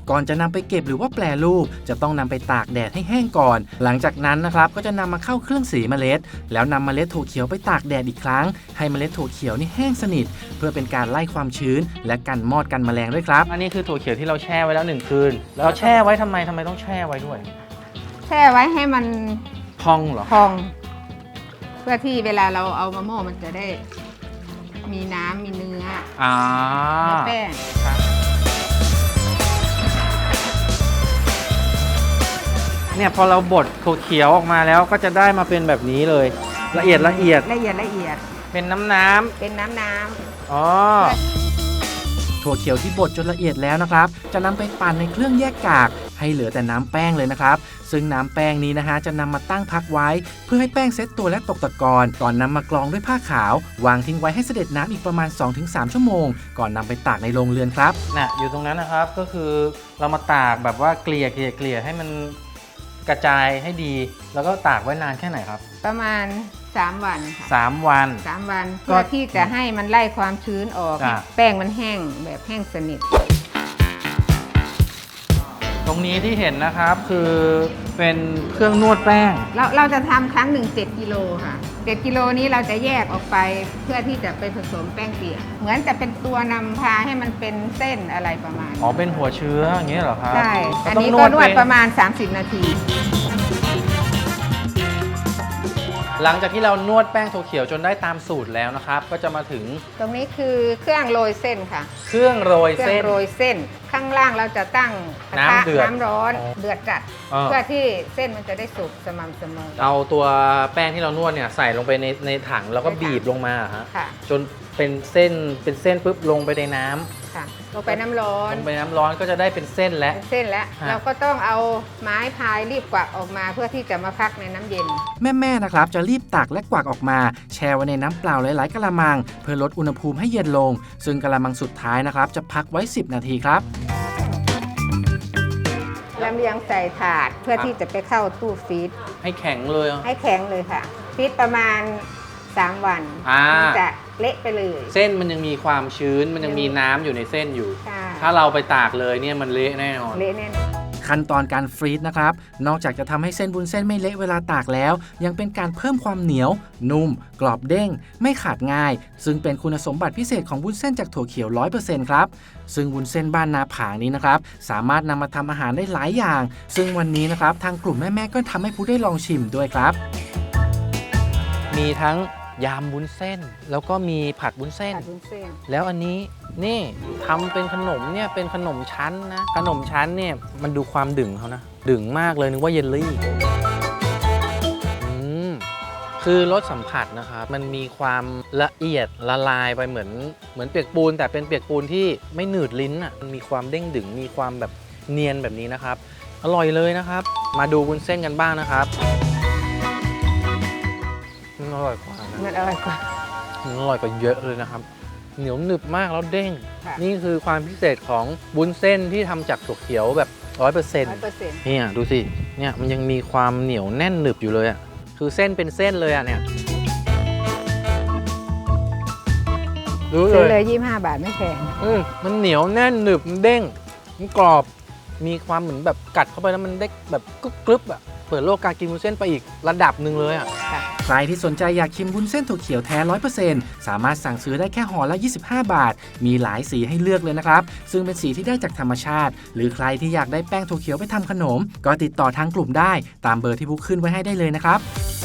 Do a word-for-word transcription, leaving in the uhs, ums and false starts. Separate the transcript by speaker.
Speaker 1: ก่อนจะนำไปเก็บหรือว่าแปรรูปจะต้องนำไปตากแดดให้แห้งก่อนหลังจากนั้นนะครับก็จะนำมาเข้าเครื่องสีเมล็ดแล้วนำเมล็ดถั่วเขียวไปตากแดดอีกครั้งให้เมล็ดถั่วเขียวนี่แห้งสนิทเพื่อเป็นการไล่ความชื้นและกันมอดกันแมลงด้วยครับ
Speaker 2: อันนี้คือถั่วเขียวที่เราแช่ไว้แล้วหนึ่งคืนแล้วแช่ไว้ทำไมทำไมต้องแช่ไว้ด้วย
Speaker 3: แช่ไว้ให้มัน
Speaker 2: พองเหรอ
Speaker 3: พองเพื่อที่เวลาเราเอามะม่วงมันจะได้มีน้ำมีเนื้อ
Speaker 2: อ่า
Speaker 3: เนื้อแป้ง
Speaker 2: เนี่ยพอเราบดถั่วเขียวออกมาแล้วก็จะได้มาเป็นแบบนี้เลยละเอียดละเอียด
Speaker 3: ละเอียดละเอียด
Speaker 2: เป็นน้ำน้ำ
Speaker 3: เป็นน้ำน้ำ
Speaker 2: อ๋อ
Speaker 1: ถั่วเขียวที่บดจนละเอียดแล้วนะครับจะนำไปปั่นในเครื่องแยกกากให้เหลือแต่น้ำแป้งเลยนะครับซึ่งน้ำแป้งนี้นะฮะจะนำมาตั้งพักไว้เพื่อให้แป้งเซตตัวและตกตะกอนก่อนนำมากรองด้วยผ้าขาววางทิ้งไว้ให้เสด็จน้ำอีกประมาณ สองถึงสาม ชั่วโมงก่อนนำไปตากในโรงเรือนครับ
Speaker 2: น่ะอยู่ตรงนั้นนะครับก็คือเรามาตากแบบว่าเกลี่ยเกลี่ยเกลี่ยให้มันกระจายให้ดีแล้วก็ตากไว้นานแค่ไหนครับ
Speaker 3: ประมาณสามวันค่ะ
Speaker 2: สามวัน
Speaker 3: สามวันเพื่อที่จะให้มันไล่ความชื้นออกแป้งมันแห้งแบบแห้งสนิท
Speaker 2: ตรงนี้ที่เห็นนะครับคือเป็นเครื่องนวดแป้ง
Speaker 3: เราเราจะทำครั้งหนึ่งเจ็ดกิโลค่ะเจ็ดกิโลนี้เราจะแยกออกไปเพื่อที่จะไปผสมแป้งเปียกเหมือนจะเป็นตัวนำพาให้มันเป็นเส้นอะไรประมาณ
Speaker 2: อ๋อเป็นหัวเชื้ออย่างนี้เหรอครับ
Speaker 3: ใช่อันนี้ก็นวดประมาณสามสิบนาที
Speaker 2: หลังจากที่เรานวดแป้งถั่วเขียวจนได้ตามสูตรแล้วนะครับก็จะมาถึง
Speaker 3: ตรงนี้คือเครื่องโรยเส้นค่ะ
Speaker 2: เครื่องโรยเส้น
Speaker 3: โรยเส้นข้างล่างเราจะตั้ง
Speaker 2: น้ำเดือด
Speaker 3: น้ำร้อนเดือดจัดเพื่อที่เส้นมันจะได้สุกสม่ำเสมอ
Speaker 2: เอาตัวแป้งที่เรานวดเนี่ยใส่ลงไปในในถังแล้วก็บีบลงมาฮะจนเป็นเส้นเป็นเส้นปุ๊บลงไปในน้ำ
Speaker 3: ค่ะลงไปน้ำร้อน
Speaker 2: ลงไปน้ำร้อนก็จะได้เป็นเส้นแล้ว
Speaker 3: เส้นแล้วเราก็ต้องเอาไม้พายรีบกวักออกมาเพื่อที่จะมาพักในน้ำเย็น
Speaker 1: แม่ๆนะครับจะรีบตักและกวักออกมาแช่ไว้ในน้ำเปล่าหลายๆกะละมังเพื่อลดอุณหภูมิให้เย็นลงซึ่งกะละมังสุดท้ายนะครับจะพักไว้สิบนาทีครับ
Speaker 3: ลำเลียงใส่ถาดเพื่อที่จะไปเข้าตู้ฟรีซ
Speaker 2: ให้แข็งเลย
Speaker 3: ให้แข็งเลยค่ะฟรีซประมาณสามวันจะเละไปเลย
Speaker 2: เส้นมันยังมีความชื้นมันยังมีน้ำอยู่ในเส้นอยู่ถ้าเราไปตากเลยเนี่ยมันเละแน่นอน
Speaker 3: เละแน่นอน
Speaker 1: ขั้นตอนการฟรีซนะครับนอกจากจะทำให้เส้นวุ้นเส้นไม่เละเวลาตากแล้วยังเป็นการเพิ่มความเหนียวนุ่มกรอบเด้งไม่ขาดง่ายซึ่งเป็นคุณสมบัติพิเศษของวุ้นเส้นจากถั่วเขียว ร้อยเปอร์เซ็นต์ ครับซึ่งวุ้นเส้นบ้านนาผางนี้นะครับสามารถนำมาทำอาหารได้หลายอย่างซึ่งวันนี้นะครับทางกลุ่มแม่ๆก็ทำให้ผู้ได้ลองชิมด้วยครับ
Speaker 2: มีทั้งยำวุ้นเส้นแล้วก็มีผัดวุ้นเส้นแล้วอันนี้นี่ทำเป็นขนมเนี่ยเป็นขนมชั้นนะขนมชั้นเนี่ยมันดูความดึงเขานะดึงมากเลยนึกว่าเยลลี่อืมคือรสสัมผัสนะครับมันมีความละเอียดละลายไปเหมือนเหมือนเปียกปูนแต่เป็นเปียกปูนที่ไม่หนืดลิ้นอ่ะมันมีความเด้งดึงมีความแบบเนียนแบบนี้นะครับอร่อยเลยนะครับมาดูวุ้นเส้นกันบ้างนะครับมันอร่อยกว่า
Speaker 3: มันอร่อยกว่า
Speaker 2: มันอร่อยกว่าเยอะเลยนะครับเหนียวหนึบมากแล้วเด้งนี่คือความพิเศษของวุ้นเส้นที่ทำจากถั่วเขียวแบบร้อยเปอร์เซ็นต์เนี่ยดูสิเนี่ยมันยังมีความเหนียวแน่นหนึบอยู่เลยอ่ะคือเส้นเป็นเส้นเลยอ่ะเนี่ย
Speaker 3: ดูเลยเลยยี่สิบห้าบาทไม่แพง
Speaker 2: อืมมันเหนียวแน่นหนึบมันเด้งมันกรอบมีความเหมือนแบบกัดเข้าไปแล้วมันได้แบบกรึบๆอ่ะเปิดโลกการกินวุ้นเส้นไปอีกระดับหนึ่งเลยอ่ะ
Speaker 1: ใครที่สนใจอยากชิมวุ้นเส้นถั่วเขียวแท้ ร้อยเปอร์เซ็นต์ สามารถสั่งซื้อได้แค่ห่อละยี่สิบห้าบาทมีหลายสีให้เลือกเลยนะครับซึ่งเป็นสีที่ได้จากธรรมชาติหรือใครที่อยากได้แป้งถั่วเขียวไปทำขนมก็ติดต่อทางกลุ่มได้ตามเบอร์ที่บุ๊กขึ้นไว้ให้ได้เลยนะครับ